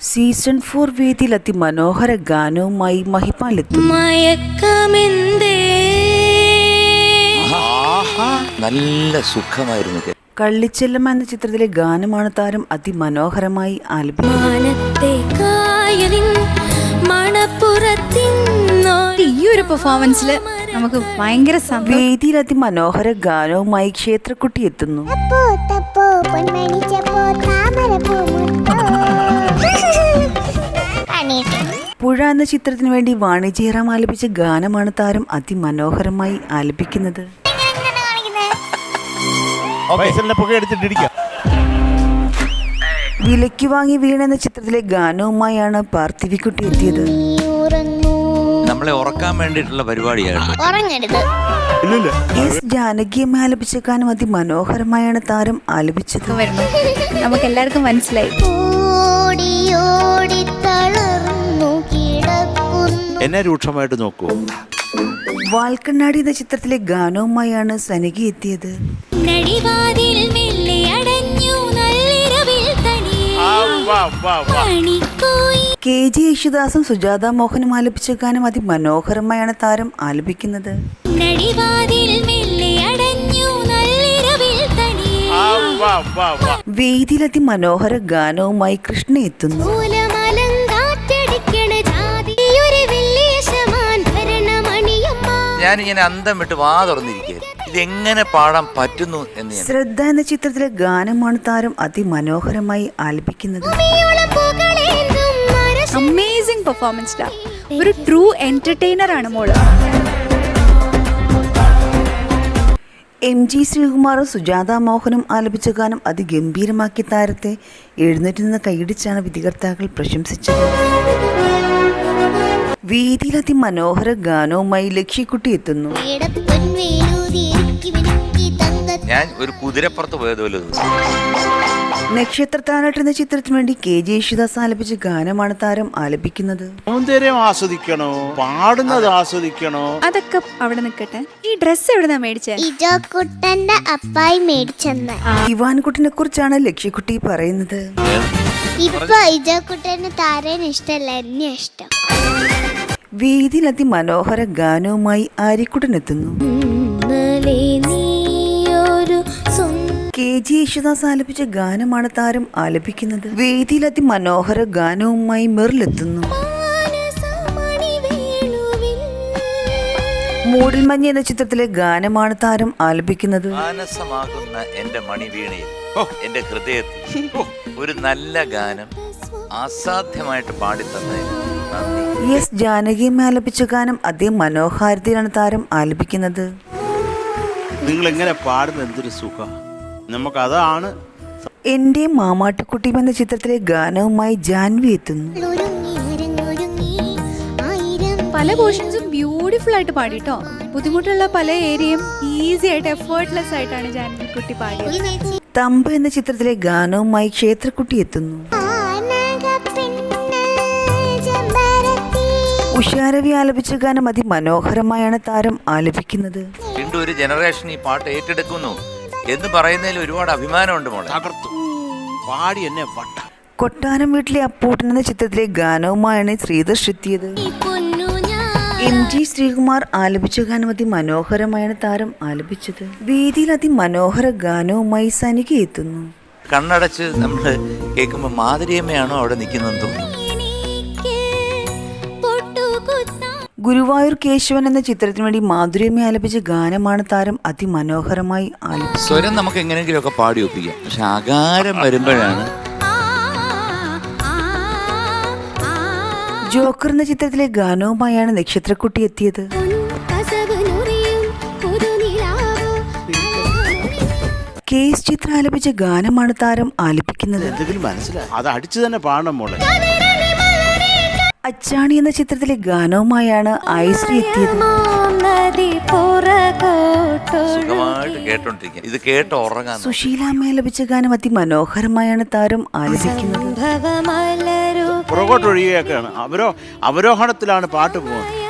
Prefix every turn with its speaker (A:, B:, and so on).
A: Season 4 വേദിയിൽ അതിമനോഹര ഗാനവുമായി മഹിപാലെത്തുന്നു.
B: നല്ല സുഖമായിരുന്നു.
A: കള്ളിച്ചെല്ലമ്മ എന്ന ചിത്രത്തിലെ ഗാനമാണ് താരം അതിമനോഹരമായി ആലപിക്കുന്നത്.
C: ഈ ഒരു പെർഫോമൻസിൽ നമുക്ക് ഭയങ്കര
A: വേദിയിൽ അതിമനോഹര ഗാനവുമായി ക്ഷേത്രക്കുട്ടി എത്തുന്നു. പുഴ എന്ന ചിത്രത്തിന് വേണ്ടി വാണി ജയറാം ആലപിച്ച ഗാനമാണ് താരം അതിമനോഹരമായി ആലപിക്കുന്നത്. വിലയ്ക്ക് വാങ്ങി വീണ എന്ന ചിത്രത്തിലെ ഗാനവുമായാണ് പാർത്ഥിവിക്കുട്ടി എത്തിയത്.
B: നമ്മളെ ഉറക്കാൻ വേണ്ടിയിട്ടുള്ള പരിപാടിയാണ്.
A: എസ് ജാനകിയമ്മ ആലപിച്ച ഗാനം അതിമനോഹരമായാണ് താരം ആലപിച്ചത്.
C: നമുക്ക് എല്ലാവർക്കും മനസ്സിലായി.
D: എന്നെ രൂക്ഷമായിട്ട് നോക്കൂ.
A: വാൽക്കണ്ണാടി എന്ന ചിത്രത്തിലെ ഗാനവുമായാണ് സനകി എത്തിയത്. കെ ജി യേശുദാസും സുജാത മോഹനും ആലപിച്ച ഗാനം അതിമനോഹരമായാണ് താരം ആലപിക്കുന്നത്. വേദിയിൽ അതിമനോഹര ഗാനവുമായി കൃഷ്ണ എത്തുന്നു.
B: ഞാനിങ്ങനെ അന്തം വിട്ട് വാ തുറന്നിരിക്കുക, ഇതെങ്ങനെ പാടാൻ പറ്റുന്നു എന്ന്.
A: ശ്രദ്ധ എന്ന ചിത്രത്തിലെ ഗാനമാണ് താരം അതിമനോഹരമായി ആലപിക്കുന്നത്.
C: Amazing performance. ഒരു ട്രൂ എന്റർടൈനർ ആണ് മോള്.
A: എം ജി ശ്രീകുമാറും സുജാത മോഹനും ആലപിച്ച ഗാനം അതിഗംഭീരമാക്കി താരത്തെ എഴുന്നേറ്റ് നിന്ന് കൈയടിച്ചാണ് വിധികർത്താക്കൾ പ്രശംസിച്ചത്. വേദിയിൽ അതിമനോഹര ഗാനവുമായി ലക്ഷ്യക്കുട്ടി എത്തുന്നു.
B: ഞാൻ ഒരു കുതിരപ്പുറത്ത് പോയതുപോലെ.
A: നക്ഷത്രത്താനാട്ട് എന്ന ചിത്രത്തിന് വേണ്ടി കെ ജെ യേശുദാസ് ആലപിച്ച ഗാനമാണ് താരം ആലപിക്കുന്നത്.
D: സൗന്ദര്യം ആസ്വദിക്കണോ, പാടുന്നത് ആസ്വദിക്കണോ,
C: അതൊക്കെ അവിടെ നിൽക്കട്ടെ. ഈ ഡ്രസ് എവിടുന്നാ മേടിച്ചേ?
E: ഇജോക്കുട്ടന്റെ അപ്പായി മേടിച്ചെന്ന്.
A: ഇവാൻകുട്ടിനെ കുറിച്ചാണ് ലക്ഷ്യക്കുട്ടി പറയുന്നത്.
E: ഇപ്പൊ ഇജോക്കുട്ടന് താരന് ഇഷ്ടമല്ല, എന്നെ ഇഷ്ടം.
A: വേദിയിൽ അതിമനോഹര ഗാനവുമായി ആര്യക്കുട്ടൻ എത്തുന്നു. കെ ജി യേശുദാസ് ആലപിച്ച ഗാനമാണ് താരം ആലപിക്കുന്നത്. വേദിയിൽ അതിമനോഹര ഗാനവുമായി മെറിലെത്തുന്നു. മൂടൽമഞ്ഞ് എന്ന ചിത്രത്തിലെ ഗാനമാണ് താരം ആലപിക്കുന്നത്.
B: മാനസമാകുന്ന എന്റെ മണിവീണയിൽ, എന്റെ ഹൃദയത്തിൽ ഒരു നല്ല ഗാനം അസാധ്യമായിട്ട് പാടിത്തന്നതിന് നന്ദി.
A: എസ് ജാനകിയമ്മ ആലപിച്ച ഗാനം അതേ മനോഹാരിതയിലാണ് താരം ആലപിക്കുന്നത്.
D: നിങ്ങൾ എങ്ങനെ പാടുന്ന എന്തൊരു സുഖം. നമുക്കതാണ്.
A: എന്റെ മാമാട്ടിക്കുട്ടി എന്ന ചിത്രത്തിലെ ഗാനവുമായി ജാൻവി എത്തുന്നു.
C: പല പോർഷൻസും ബ്യൂട്ടിഫുൾ ആയിട്ട് പാടിട്ടോ. ബുദ്ധിമുട്ടുള്ള പല ഏരിയയും ഈസി ആയിട്ട് എഫേർട്ട്ലെസ് ആയിട്ടാണ് ജാൻവിക്കുട്ടി പാടിയത്.
A: തമ്പ എന്ന ചിത്രത്തിലെ ഗാനവുമായി ക്ഷേത്രക്കുട്ടി എത്തുന്നു. ഉഷാരവി ആലപിച്ച ഗാനം അതിമനോഹരമായാണ് താരം ആലപിക്കുന്നത്.
B: വീണ്ടും ഒരു ജനറേഷൻ ഈ പാട്ട് ഏറ്റെടുക്കുന്നു എന്ന് പറയുന്നതിൽ ഒരുപാട് അഭിമാനമുണ്ട് മോളെ.
D: പാടി എന്നെ വട്ട.
A: കൊട്ടാരം വീട്ടിലെ അപ്പൂട്ടൻ എന്ന ചിത്രത്തിലെ ഗാനവുമായാണ് ശ്രീധർഷ് എത്തിയത്. എം ജി ശ്രീകുമാർ ആലപിച്ച ഗാനം അതിമനോഹരമായാണ് താരം ആലപിച്ചത്. വേദിയിൽ അതിമനോഹര ഗാനവുമായി സനിക എത്തുന്നു.
B: കണ്ണടച്ച് നമ്മൾ കേൾക്കുമ്പോൾ മാധുര്യമ്മയാണോ അവിടെ നിൽക്കുന്നതെന്ന് തോന്നുന്നു.
A: ഗുരുവായൂർ കേശവൻ എന്ന ചിത്രത്തിന് വേണ്ടി മാധുര്യമ്മ ആലപിച്ച ഗാനമാണ് താരം അതിമനോഹരമായി ആലപിച്ചത്.
B: സ്വരം നമുക്ക് എങ്ങനെയെങ്കിലുമൊക്കെ പാടി ഒപ്പിക്കാം, പക്ഷെ ആകാരം വരുമ്പോഴാണ്.
A: ജോക്കർ എന്ന ചിത്രത്തിലെ ഗാനവുമായാണ് നക്ഷത്രക്കുട്ടി എത്തിയത്. കെ എസ് ചിത്ര ആലപിച്ച ഗാനമാണ് താരം ആലപിക്കുന്നത്.
D: എന്തെങ്കിലും മനസ്സിലായി, അത് അടിച്ചു തന്നെ പാടണം മോളെ.
A: അച്ചാണി എന്ന ചിത്രത്തിലെ ഗാനവുമായാണ് ഐശ്വര്യ എത്തിയത്.
B: സുഖമായിട്ട് കേട്ടോണ്ടിരിക്കുക, ഇത് കേട്ട് ഉറങ്ങാൻ.
A: സുശീലാമ്മ ആലപിച്ച ഗാനം അതിമനോഹരമായാണ് താരം ആലപിക്കുന്നത്.
D: പുറകോട്ടൊഴിയുകയൊക്കെയാണ്. അവരോഹണത്തിലാണ് പാട്ട് പോകുന്നത്.